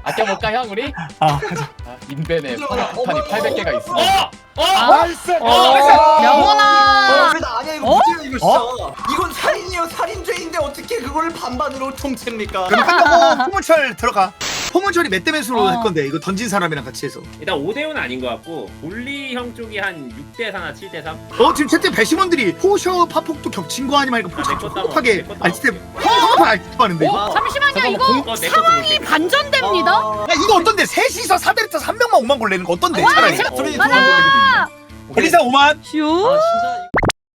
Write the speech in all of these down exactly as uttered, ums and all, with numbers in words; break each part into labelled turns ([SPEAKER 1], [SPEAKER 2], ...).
[SPEAKER 1] 아껴볼까 형 우리?
[SPEAKER 2] 아 가자.
[SPEAKER 1] 아, 인벤에 폭탄이 팔백 개가 있어.
[SPEAKER 3] 어! 어!
[SPEAKER 4] 나이스.
[SPEAKER 5] 영원아.
[SPEAKER 6] 왜 나 아니야 이거
[SPEAKER 5] 어?
[SPEAKER 6] 문제야 이거 진짜. 이건 살인이요 살인죄인데 어떻게 그걸 반반으로 통째입니까?
[SPEAKER 2] 그럼 끝나고 포문철 들어가. 포문철이 몇 대 몇으로
[SPEAKER 5] 어.
[SPEAKER 2] 할 건데 이거 던진 사람이랑 같이 해서.
[SPEAKER 3] 일단 오 대 오는 아닌 것 같고 볼리 형 쪽이 한 육 대 사나 칠 대 삼?
[SPEAKER 2] 어 지금 채팅 배심원들이 포셔 파폭도 겹친 거 아니면 이거
[SPEAKER 3] 아, 내 것도 한번,
[SPEAKER 2] 폭하게
[SPEAKER 3] 내 것도
[SPEAKER 2] 아 진짜 허허 알겠는데 이거.
[SPEAKER 6] 어?
[SPEAKER 5] 잠시만요.
[SPEAKER 2] 잠깐만,
[SPEAKER 5] 이거
[SPEAKER 3] 공- 어, 내 것도
[SPEAKER 5] 상황이
[SPEAKER 3] 볼게.
[SPEAKER 5] 반전됩니다.
[SPEAKER 6] 아,
[SPEAKER 2] 야 이거 어떤데? 셋이서 사 대를 타서 한 명만 오만 골 내는 거 어떤데? 차라리.
[SPEAKER 6] 소리
[SPEAKER 5] 맞아.
[SPEAKER 6] 좋은 걸로
[SPEAKER 2] 엘리사 오만.
[SPEAKER 5] 슈.
[SPEAKER 6] 아 진짜.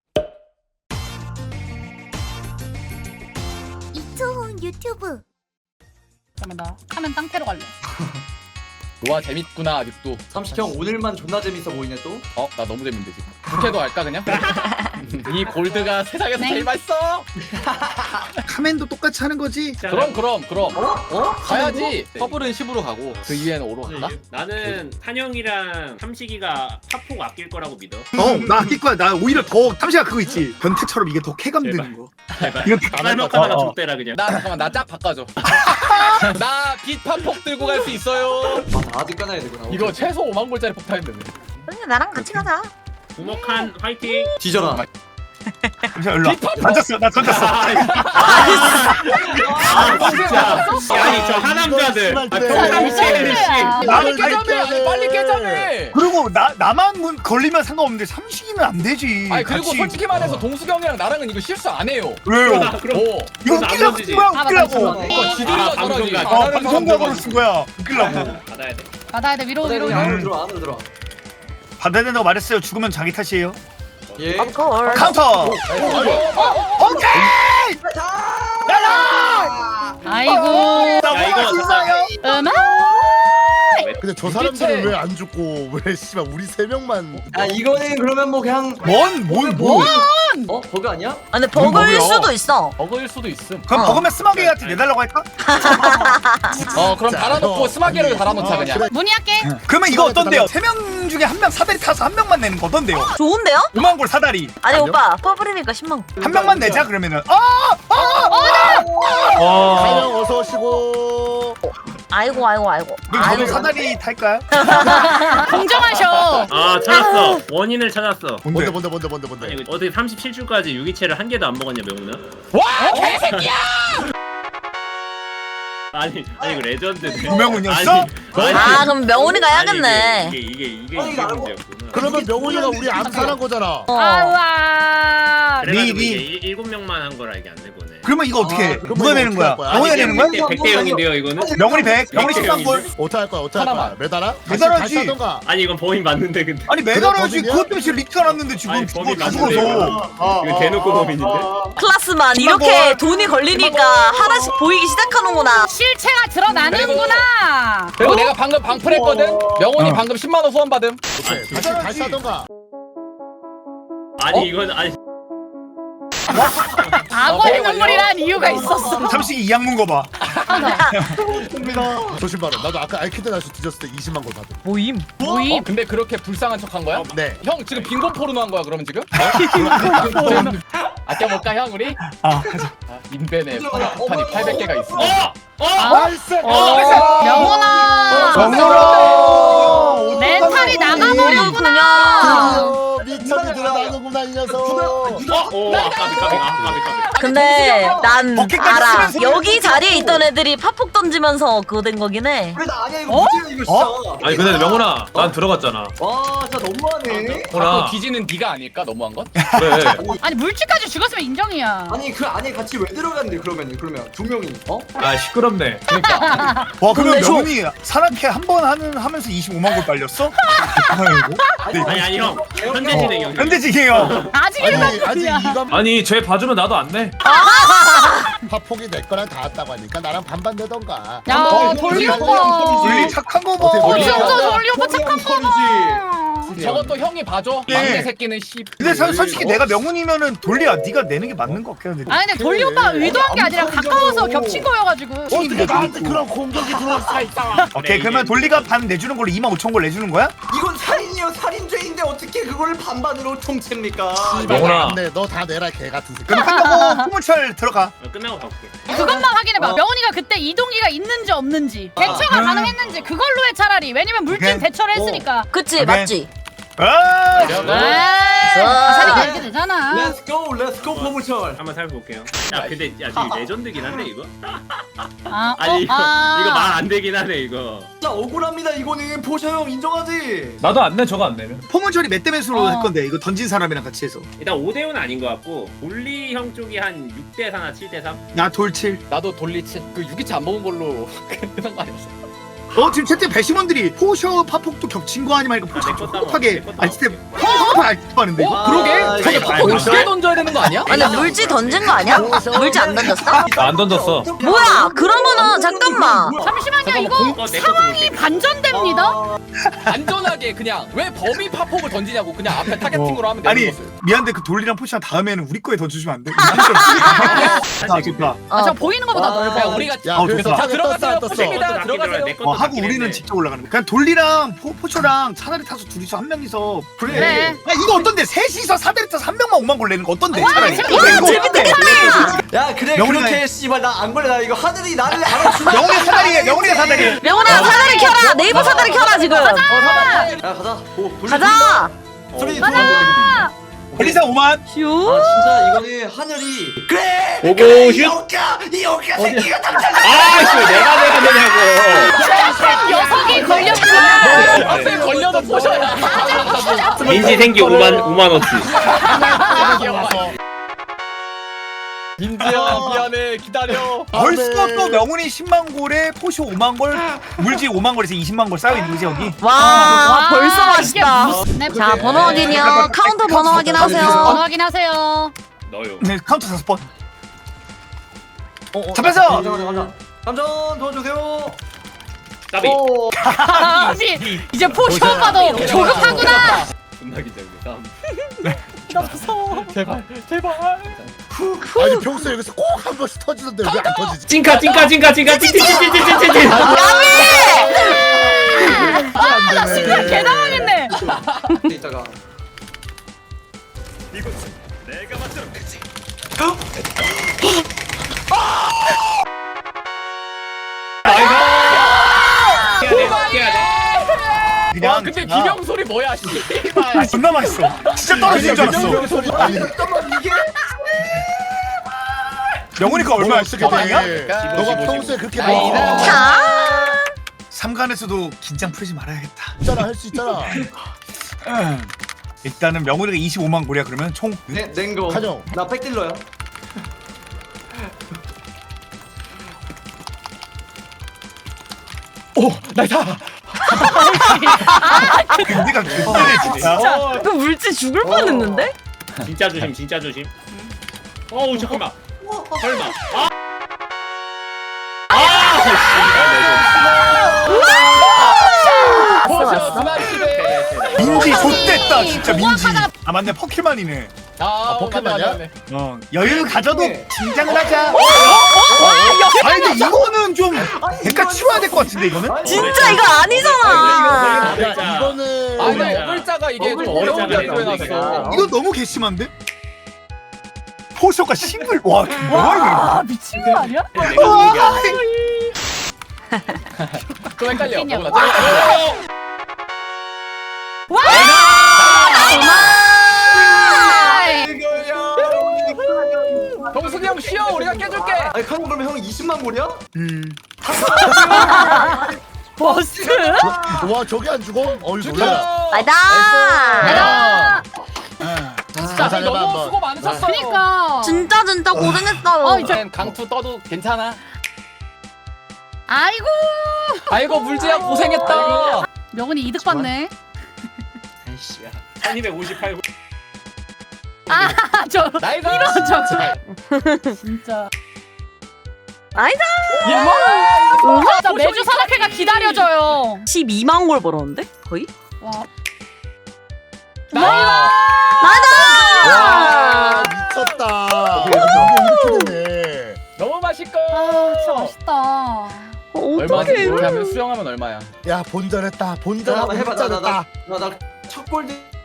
[SPEAKER 7] 이초훈 유튜브.
[SPEAKER 5] 잠깐만 나 하면 땅태로 갈래.
[SPEAKER 1] 노아 재밌구나 아직도.
[SPEAKER 6] 삼식 형 오늘만 존나 재밌어 보이네 또.
[SPEAKER 1] 어? 나 너무 재밌는데 지금. 부캐도 할까 그냥? 이 골드가 세상에서
[SPEAKER 5] 네.
[SPEAKER 1] 제일 맛있어.
[SPEAKER 2] 카멘도 똑같이 하는 거지.
[SPEAKER 1] 그럼 그럼 그럼.
[SPEAKER 6] 어? 어?
[SPEAKER 1] 가야지. 퍼블은 십으로 가고 그 이후에는 오로 간다?
[SPEAKER 3] 나는 탄영이랑 삼식이가 팝폭 아낄 거라고 믿어.
[SPEAKER 2] 어나 아낄 거야. 나 오히려 더 탐시가 그거 있지. 변태처럼 이게 더 쾌감
[SPEAKER 3] 제발.
[SPEAKER 2] 드는 거.
[SPEAKER 3] 제발.
[SPEAKER 2] 이거
[SPEAKER 3] 쌀먹하다가
[SPEAKER 2] 어, 어.
[SPEAKER 3] 족대라 그냥.
[SPEAKER 1] 나 잠깐만 나 짝 바꿔줘. 나 빛팝폭 들고 갈 수 있어요.
[SPEAKER 6] 아 아직 까놔야 되구나.
[SPEAKER 1] 이거 최소 오만 골짜리 폭탄인데.
[SPEAKER 7] 그러니까 나랑 같이 가자.
[SPEAKER 3] 구목한 화이팅.
[SPEAKER 6] 뒤져라.
[SPEAKER 2] 잠시만 일로 와. 던졌어. 나 던졌어.
[SPEAKER 3] 아 진짜. 아니 저 하남자들. 아, 평상시에는 씨.
[SPEAKER 1] 빨리
[SPEAKER 2] 나를
[SPEAKER 1] 깨자며. 아니 빨리 깨자며.
[SPEAKER 2] 그리고 나 나만 문 걸리면 상관없는데 삼식이는 안 되지.
[SPEAKER 1] 아니 그리고
[SPEAKER 2] 같이.
[SPEAKER 1] 솔직히 말해서 동숙이 형이랑 나랑은 이거 실수 안 해요.
[SPEAKER 2] 왜요?
[SPEAKER 3] 아, 그럼
[SPEAKER 1] 오.
[SPEAKER 2] 이거
[SPEAKER 3] 그건 안
[SPEAKER 2] 웃기려고
[SPEAKER 3] 던지지.
[SPEAKER 2] 쓴 거야
[SPEAKER 5] 아,
[SPEAKER 2] 웃기려고.
[SPEAKER 5] 맞다,
[SPEAKER 1] 그러니까 지들이가
[SPEAKER 3] 아, 방송각.
[SPEAKER 1] 잘하지.
[SPEAKER 2] 어
[SPEAKER 1] 잘하는
[SPEAKER 2] 방송각으로
[SPEAKER 1] 사람들은
[SPEAKER 2] 쓴 거야 웃기려고.
[SPEAKER 3] 받아야 돼.
[SPEAKER 5] 받아야 돼. 위로 위로 위로.
[SPEAKER 6] 안으로 들어와 안으로 들어와.
[SPEAKER 2] 받아야 된다고 말했어요. 죽으면 자기 탓이에요.
[SPEAKER 6] 예.
[SPEAKER 7] 걸.
[SPEAKER 2] 카운터. 오케이.
[SPEAKER 5] 아이고.
[SPEAKER 3] 야 이거
[SPEAKER 2] 진짜요?
[SPEAKER 5] 음악.
[SPEAKER 4] 근데 저 사람들은 왜 안 죽고 왜 씨발 우리 세 명만.
[SPEAKER 6] 아 이거는 그러면 뭐 그냥
[SPEAKER 2] 뭔뭔 뭐?
[SPEAKER 6] 어 버그 아니야?
[SPEAKER 7] 아, 근데 버그일
[SPEAKER 2] 뭐야?
[SPEAKER 7] 수도 있어.
[SPEAKER 1] 버그일 수도 있음.
[SPEAKER 2] 그럼
[SPEAKER 7] 어.
[SPEAKER 2] 버그면 스마게한테 내달라고 할까?
[SPEAKER 1] 어 그럼
[SPEAKER 4] 진짜.
[SPEAKER 1] 달아놓고
[SPEAKER 4] 어.
[SPEAKER 1] 스마게를 달아놓자
[SPEAKER 4] 어,
[SPEAKER 1] 그냥.
[SPEAKER 4] 그래.
[SPEAKER 5] 문의할게.
[SPEAKER 2] 그러면 이거 어떤데요? 세 명 중에 한 명 사다리 타서 한 명만 내는 거 어떤데요?
[SPEAKER 7] 좋은데요?
[SPEAKER 2] 오만 골 사다리
[SPEAKER 7] 아니
[SPEAKER 4] 아니요?
[SPEAKER 7] 오빠 퍼블이니까 십만 원.
[SPEAKER 2] 한 명만 내자 그러면은. 아!
[SPEAKER 4] 가영 어서 오시고.
[SPEAKER 7] 아이고 아이고 아이고.
[SPEAKER 2] 그럼 저도
[SPEAKER 7] 아이고.
[SPEAKER 2] 사다리 탈까요?
[SPEAKER 5] 공정하셔.
[SPEAKER 3] 아 찾았어. 원인을 찾았어.
[SPEAKER 4] 뭔데 뭔데 뭔데 뭔데
[SPEAKER 3] 아니
[SPEAKER 4] 뭔데.
[SPEAKER 3] 이거 어떻게 삼십칠 주까지 유기체를 한 개도 안 먹었냐 명훈아?
[SPEAKER 1] 와 개새끼야!
[SPEAKER 3] 아니 아니 이거 레전드네.
[SPEAKER 2] 유명훈이었어?
[SPEAKER 3] 아니,
[SPEAKER 7] 아 그럼 명훈이가
[SPEAKER 3] 아니,
[SPEAKER 7] 해야겠네.
[SPEAKER 3] 이게 이게 이게
[SPEAKER 6] 아니,
[SPEAKER 3] 이게
[SPEAKER 6] 나는
[SPEAKER 3] 문제였구나.
[SPEAKER 4] 그러면 명훈이가 우리 암살한 거잖아.
[SPEAKER 7] 어.
[SPEAKER 5] 아우아.
[SPEAKER 3] 그래가지고
[SPEAKER 2] 니,
[SPEAKER 3] 이게
[SPEAKER 2] 니.
[SPEAKER 3] 일- 일곱 명만 한 거라 이게 안 내보네.
[SPEAKER 2] 그러면 이거 어떻게 해?
[SPEAKER 6] 아,
[SPEAKER 4] 그러면
[SPEAKER 2] 누가
[SPEAKER 4] 이거
[SPEAKER 2] 내는 거야?
[SPEAKER 4] 어떻게 할 거야?
[SPEAKER 2] 명훈이
[SPEAKER 3] 아니,
[SPEAKER 2] 내는 거야?
[SPEAKER 3] 백 대 영인데요 이거는?
[SPEAKER 2] 명훈이 백, 명훈이 십삼 골.
[SPEAKER 4] 어떻게 할 거야? 어떻게 할 거야?
[SPEAKER 1] 하나만.
[SPEAKER 4] 매달아?
[SPEAKER 2] 매달아야지.
[SPEAKER 4] 다시 하던가.
[SPEAKER 3] 아니 이건 범인 맞는데 근데.
[SPEAKER 2] 아니 매달아야지.
[SPEAKER 4] 범인이야?
[SPEAKER 2] 그것 때문에 리트가 났는데 지금
[SPEAKER 3] 아니,
[SPEAKER 2] 죽어
[SPEAKER 3] 범인
[SPEAKER 2] 다
[SPEAKER 3] 맞는데,
[SPEAKER 2] 죽어서.
[SPEAKER 6] 아,
[SPEAKER 3] 이거 대놓고 범인인데?
[SPEAKER 7] 클라스만
[SPEAKER 2] 십만
[SPEAKER 7] 이렇게
[SPEAKER 2] 원.
[SPEAKER 7] 돈이 걸리니까 하나씩 보이기 시작하는구나.
[SPEAKER 5] 실체가 드러나는구나.
[SPEAKER 1] 그리고 내가 방금 방풀했거든. 명훈이
[SPEAKER 2] 어.
[SPEAKER 1] 방금 십만 원 후원 받음.
[SPEAKER 4] 오케이. 다시 다시 하던가.
[SPEAKER 3] 아니 이건 아니
[SPEAKER 5] 악어의 눈물이란 이유가 있었어.
[SPEAKER 2] 삼식이 이 악문 거 봐.
[SPEAKER 4] 조심 바로. 나도 아까 알키드 날씨 뒤졌을 때 이십만 골 받은.
[SPEAKER 7] 모임.
[SPEAKER 1] 어? 근데 그렇게 불쌍한 척한 거야?
[SPEAKER 4] 네.
[SPEAKER 1] 형 지금 빈곤 포르노 한 거야 그러면 지금? 아껴볼까 형 우리?
[SPEAKER 2] 아 가자.
[SPEAKER 1] 아, 인벤에 폭탄이 팔백 개가 있어.
[SPEAKER 3] 어! 어!
[SPEAKER 4] 나이스.
[SPEAKER 5] 영원아.
[SPEAKER 2] 정렬아.
[SPEAKER 5] 멘탈이 나가버렸구나.
[SPEAKER 4] 미천이 들어나는구나 이 녀석.
[SPEAKER 3] 어! 오 아까비 까비 아 까비 까비.
[SPEAKER 7] 근데 난
[SPEAKER 2] 어깨까지
[SPEAKER 7] 알아.
[SPEAKER 2] 쓰면서
[SPEAKER 7] 여기 자리에 있던 애들이 팝폭 던지면서 그거 된 거긴 해.
[SPEAKER 6] 왜 나 아니야 이거
[SPEAKER 5] 어?
[SPEAKER 6] 문제야 이거 진짜.
[SPEAKER 8] 아니 근데 명훈아 난 들어갔잖아.
[SPEAKER 6] 와 진짜 너무하네.
[SPEAKER 1] 자꾸
[SPEAKER 8] 명훈아
[SPEAKER 1] 뒤지는 네가 아닐까 너무한 건?
[SPEAKER 8] 그래.
[SPEAKER 5] 아니 물질까지 죽었으면 인정이야.
[SPEAKER 6] 아니 그 안에 같이 왜 들어갔는데 그러면 그러면 두 명이 어?
[SPEAKER 8] 아 시끄럽네.
[SPEAKER 2] 와 그러면
[SPEAKER 7] 근데 저-
[SPEAKER 2] 명훈이 사랑캐 한 번 하는 하면서 이십오만 골 빨렸어? 아이고.
[SPEAKER 3] 아니 아니 형 현대 진행 형.
[SPEAKER 2] 현대직이에요.
[SPEAKER 5] 아직
[SPEAKER 4] 아니
[SPEAKER 5] 일반
[SPEAKER 4] 아직
[SPEAKER 5] 이야
[SPEAKER 4] 이감
[SPEAKER 8] 아니 쟤 봐주면 나도 안 내.
[SPEAKER 4] 파폭이 내 거랑 닿았다고 하니까 나랑 반반 내던가.
[SPEAKER 5] 야 돌리 오빠.
[SPEAKER 2] 우리 착한 거
[SPEAKER 4] 어떻게
[SPEAKER 2] 봐.
[SPEAKER 4] 돌리
[SPEAKER 5] 진짜
[SPEAKER 1] 오빠.
[SPEAKER 5] 돌리 오빠 착한 거 봐.
[SPEAKER 1] 저것도 형이 봐줘.
[SPEAKER 2] 예.
[SPEAKER 1] 막내 새끼는 씨.
[SPEAKER 2] 근데 사- 솔직히 내가 명훈이면은 돌리야. 네가 내는 게 맞는 것 같긴 한데.
[SPEAKER 5] 아니 근데 돌리 오빠 의도한 게 아니라 가까워서 겹친 거여가지고.
[SPEAKER 4] 어떻게 나한테 그런 공격이 들어올 수가 있다.
[SPEAKER 2] 오케이 그러면 돌리가 반 내주는 걸로 이만 오천 골 내주는 거야?
[SPEAKER 6] 이건 살인이요 살인죄인데 어떻게 그거를 반반으로 통째입니까?
[SPEAKER 8] 영훈아.
[SPEAKER 4] 근데 너 다 내라 개 같은 새끼.
[SPEAKER 2] 그럼 한다고 포문철 들어가.
[SPEAKER 3] 어, 끝나고 가볼게.
[SPEAKER 5] 그것만 확인해봐.
[SPEAKER 6] 어.
[SPEAKER 5] 명훈이가 그때 이동기가 있는지 없는지 대처가
[SPEAKER 2] 음.
[SPEAKER 5] 가능했는지 그걸로 해 차라리. 왜냐면 물진
[SPEAKER 2] 오케이.
[SPEAKER 5] 대처를 했으니까.
[SPEAKER 7] 그치
[SPEAKER 2] 오케이.
[SPEAKER 7] 맞지?
[SPEAKER 2] 아,
[SPEAKER 5] 에이, 가사리가 이렇게 되잖아.
[SPEAKER 6] Let's go, let's go 포문철.
[SPEAKER 3] 한번 살펴볼게요. 야 근데 야 저기 레전드긴 한데 이거?
[SPEAKER 5] 아,
[SPEAKER 3] 아니
[SPEAKER 5] 어,
[SPEAKER 3] 이거
[SPEAKER 5] 아.
[SPEAKER 3] 이거 말 안 되긴 하네 이거.
[SPEAKER 6] 진짜 억울합니다 이거는. 포셔 형 인정하지?
[SPEAKER 8] 나도 안 내, 저거 안 내면.
[SPEAKER 2] 포문철이 몇 대 몇으로
[SPEAKER 5] 어.
[SPEAKER 2] 할 건데 이거 던진 사람이랑 같이 해서.
[SPEAKER 3] 일단 오 대 오는 아닌 것 같고 볼리 형 쪽이 한 육 대 사나 칠 대 삼?
[SPEAKER 2] 나 돌칠.
[SPEAKER 1] 나도 돌리치 그 유기치 안 먹은 걸로 끝난 거 아니었어?
[SPEAKER 2] 어 지금 채팅 배심원들이 포셔 파폭도 겹친 거 아니면 이거 포셔
[SPEAKER 3] 내 것도 안
[SPEAKER 2] 흡하게
[SPEAKER 3] 먹어, 내 것도
[SPEAKER 2] 알스텝 흡하게 알스텝하는데 이거.
[SPEAKER 6] 아,
[SPEAKER 1] 그러게?
[SPEAKER 6] 아,
[SPEAKER 1] 저게
[SPEAKER 6] 이거
[SPEAKER 1] 파폭
[SPEAKER 6] 알죠?
[SPEAKER 1] 두개 던져야 되는 거 아니야?
[SPEAKER 7] 아니 물지 던진 거 아니야? 물지 안 던졌어?
[SPEAKER 8] 나 안 던졌어.
[SPEAKER 7] 뭐야 그러면은 잠깐만
[SPEAKER 5] 잠시만요. 이거
[SPEAKER 3] 어, 내 것도 볼게.
[SPEAKER 5] 반전됩니다.
[SPEAKER 6] 아,
[SPEAKER 1] 안전하게 그냥 왜 범위 파폭을 던지냐고 그냥 앞에 타겟팅으로 하면 되는
[SPEAKER 2] 아니
[SPEAKER 1] 거였어요.
[SPEAKER 2] 미안한데 그 돌리랑 포시랑 다음에는 우리 거에 던져주면 안 돼? 아 좋다.
[SPEAKER 5] 아, 저 보이는 것보다
[SPEAKER 6] 와.
[SPEAKER 5] 넓어.
[SPEAKER 1] 그냥 우리가
[SPEAKER 4] 야
[SPEAKER 2] 어,
[SPEAKER 4] 그래서
[SPEAKER 2] 좋다.
[SPEAKER 1] 자 들어가세요.
[SPEAKER 4] 떴어,
[SPEAKER 1] 포십니다.
[SPEAKER 3] 떴어.
[SPEAKER 1] 들어가세요.
[SPEAKER 3] 내 것도
[SPEAKER 2] 어, 하고
[SPEAKER 3] 맞긴
[SPEAKER 2] 우리는
[SPEAKER 3] 했네.
[SPEAKER 2] 직접 올라가는 거. 그냥 돌리랑 포, 포초랑 차라리 타서 둘이서 한 명이서.
[SPEAKER 6] 그래.
[SPEAKER 5] 그래.
[SPEAKER 2] 야 이거 어떤데? 셋이서 사대리 타서 한 명만 오만 골 내는 거 어떤데? 차라리.
[SPEAKER 5] 재밌겠다.
[SPEAKER 2] 이거
[SPEAKER 7] 재밌겠다.
[SPEAKER 6] 야 그래
[SPEAKER 2] 명훈이가
[SPEAKER 6] 그렇게
[SPEAKER 2] 해.
[SPEAKER 6] 씨발 나 안 걸려. 나 이거 하늘이 나를 알아주나?
[SPEAKER 2] 명훈이 사다리에 명훈이가 사다리.
[SPEAKER 7] 명훈아 사다리 켜라 네이버 사다리 켜라 지금
[SPEAKER 6] 야 가자. 오, 돌리,
[SPEAKER 7] 가자
[SPEAKER 6] 돌리.
[SPEAKER 5] 가자.
[SPEAKER 2] 돌리사 오만.
[SPEAKER 7] 휴
[SPEAKER 6] 아 진짜 이거는 하늘이. 그래.
[SPEAKER 3] 오고
[SPEAKER 6] 그래,
[SPEAKER 3] 슛.
[SPEAKER 6] 이 오까 이 오까 새끼가 당장.
[SPEAKER 3] 아씨 내가 내가 되냐고.
[SPEAKER 5] 녀석이 걸렸구나.
[SPEAKER 1] 앞에 걸려도 포셔야.
[SPEAKER 3] 민지 생기 오만 오만 원치.
[SPEAKER 1] 민지야 미안해 기다려.
[SPEAKER 2] 벌써 또 명훈이 십만 골에 포쇼 오만 골, 물지 오만 골에서 이십만 골 쌓여 있는 거지 여기.
[SPEAKER 7] 와,
[SPEAKER 5] 와,
[SPEAKER 7] 벌써
[SPEAKER 5] 이게
[SPEAKER 7] 맛있다
[SPEAKER 5] 무슨 앱?
[SPEAKER 7] 자 번호 확인이요 카운터 번호
[SPEAKER 5] 번호
[SPEAKER 7] 확인하세요
[SPEAKER 5] 확인하세요.
[SPEAKER 3] 너요.
[SPEAKER 2] 네 카운트 다섯 번.
[SPEAKER 6] 어, 어,
[SPEAKER 2] 잡혔어!
[SPEAKER 6] 감전 감전 감전. 감전 도와주세요.
[SPEAKER 3] 까비.
[SPEAKER 6] 오.
[SPEAKER 5] 아, 혹시 이제 포쇼 오빠도 조급하구나.
[SPEAKER 3] 존나 긴장돼. 다음.
[SPEAKER 5] 나 무서워.
[SPEAKER 1] 제발 제발.
[SPEAKER 4] 아니 평소에 여기서 꼭 한 번씩 터지던데 왜 안 터지지?
[SPEAKER 3] 찐카 찐카 찐카 찐카 찐찐찐찐찐찐.
[SPEAKER 5] 아, 나 순간 개 당황했네.
[SPEAKER 6] 이따가.
[SPEAKER 3] 해야 돼. 해야 돼.
[SPEAKER 2] 그냥.
[SPEAKER 1] 와 근데
[SPEAKER 2] 제가-
[SPEAKER 1] 비명 소리 뭐야?
[SPEAKER 2] 아, 존나 맛있어. 진짜 떨어지는 줄 알았어.
[SPEAKER 6] 잠깐만 이게.
[SPEAKER 2] 명훈이가 얼마야?
[SPEAKER 4] 어떻게
[SPEAKER 2] 어, 아니야?
[SPEAKER 4] 돼? 너가 평소에 그렇게
[SPEAKER 1] 아니다.
[SPEAKER 4] 뭐
[SPEAKER 7] 자
[SPEAKER 2] 삼관에서도 긴장 풀지 말아야겠다.
[SPEAKER 4] 있잖아 할 수 있잖아.
[SPEAKER 2] 음. 일단은 명훈이가 이십오만 골이야 그러면 총.
[SPEAKER 6] 네, 냉고.
[SPEAKER 4] 한영.
[SPEAKER 6] 나 백딜러야.
[SPEAKER 1] 오 나이다.
[SPEAKER 2] 근데가 그때네 진짜.
[SPEAKER 7] 그 물지 죽을 뻔했는데?
[SPEAKER 3] 진짜 조심 진짜 조심. 어우 잠깐만. 설마. 아.
[SPEAKER 1] 포셔 스마일 시대.
[SPEAKER 2] 민지 좆됐다 진짜 민지.
[SPEAKER 5] 공항하다가-
[SPEAKER 2] 아 맞네 퍼킬만이네.
[SPEAKER 1] 아
[SPEAKER 4] 포켓몬이야?
[SPEAKER 2] 어 여유 가져도 긴장을 하자.
[SPEAKER 5] 어?
[SPEAKER 2] 아니 근데 이거는 좀 대가 치워야 될 것 같은데 이거는.
[SPEAKER 7] 진짜 이거 아니잖아
[SPEAKER 3] 진짜.
[SPEAKER 4] 야 이거는
[SPEAKER 1] 아 근데
[SPEAKER 3] 어글자.
[SPEAKER 1] 어글자가 이게 좀
[SPEAKER 3] 어글자가
[SPEAKER 1] 어려운 게
[SPEAKER 3] 어글자가.
[SPEAKER 1] 해놨어.
[SPEAKER 2] 이거 너무 괘씸한데? 포셔가 싱글 와 뭐야
[SPEAKER 5] 아, 미친 거 아니야?
[SPEAKER 3] 내가
[SPEAKER 2] 이거.
[SPEAKER 3] 이겨.
[SPEAKER 2] 와,
[SPEAKER 1] 좀 헷갈려.
[SPEAKER 5] 웃기냐고.
[SPEAKER 1] 너무 나-
[SPEAKER 6] 이거야.
[SPEAKER 1] 동순이 형 쉬어 우리가 깨줄게.
[SPEAKER 6] 아니 카노 그러면 형 이십만 골이야?
[SPEAKER 2] 음.
[SPEAKER 5] 버스?
[SPEAKER 4] 와 저기 안 죽어? 어이 놀래라.
[SPEAKER 7] 나이다
[SPEAKER 5] 아,
[SPEAKER 1] 진짜
[SPEAKER 4] 해봐,
[SPEAKER 1] 너무
[SPEAKER 4] 한번.
[SPEAKER 1] 수고 많으셨어.
[SPEAKER 5] 그니까.
[SPEAKER 7] 진짜 진짜 고생했다
[SPEAKER 5] 어, 이제-
[SPEAKER 1] 이젠 강투 떠도 괜찮아.
[SPEAKER 5] 아이고.
[SPEAKER 1] 아이고 물지야 고생했다.
[SPEAKER 5] 명훈이 이득 봤네.
[SPEAKER 3] 아이씨야. 천이백오십팔 고.
[SPEAKER 5] 아, 저
[SPEAKER 1] 나이가
[SPEAKER 5] 이런 저 진짜.
[SPEAKER 7] 아니다
[SPEAKER 1] 예.
[SPEAKER 5] 아, 나 매주 산악회가 기다려져요.
[SPEAKER 7] 십이만 골 벌었는데 거의?
[SPEAKER 5] 와.
[SPEAKER 1] 나이가
[SPEAKER 7] 나이다
[SPEAKER 4] 와 미쳤다. 이게 이렇게 되네.
[SPEAKER 1] 너무 맛있고.
[SPEAKER 5] 아, 진짜 맛있다.
[SPEAKER 1] 얼마
[SPEAKER 7] 어떡해
[SPEAKER 1] 이렇게 하면 수영하면 얼마야?
[SPEAKER 4] 야 본전했다.
[SPEAKER 6] 자,
[SPEAKER 4] 본전하고
[SPEAKER 6] 한번 해봐. 나
[SPEAKER 4] 흑전했다.
[SPEAKER 6] 나 나 첫 골드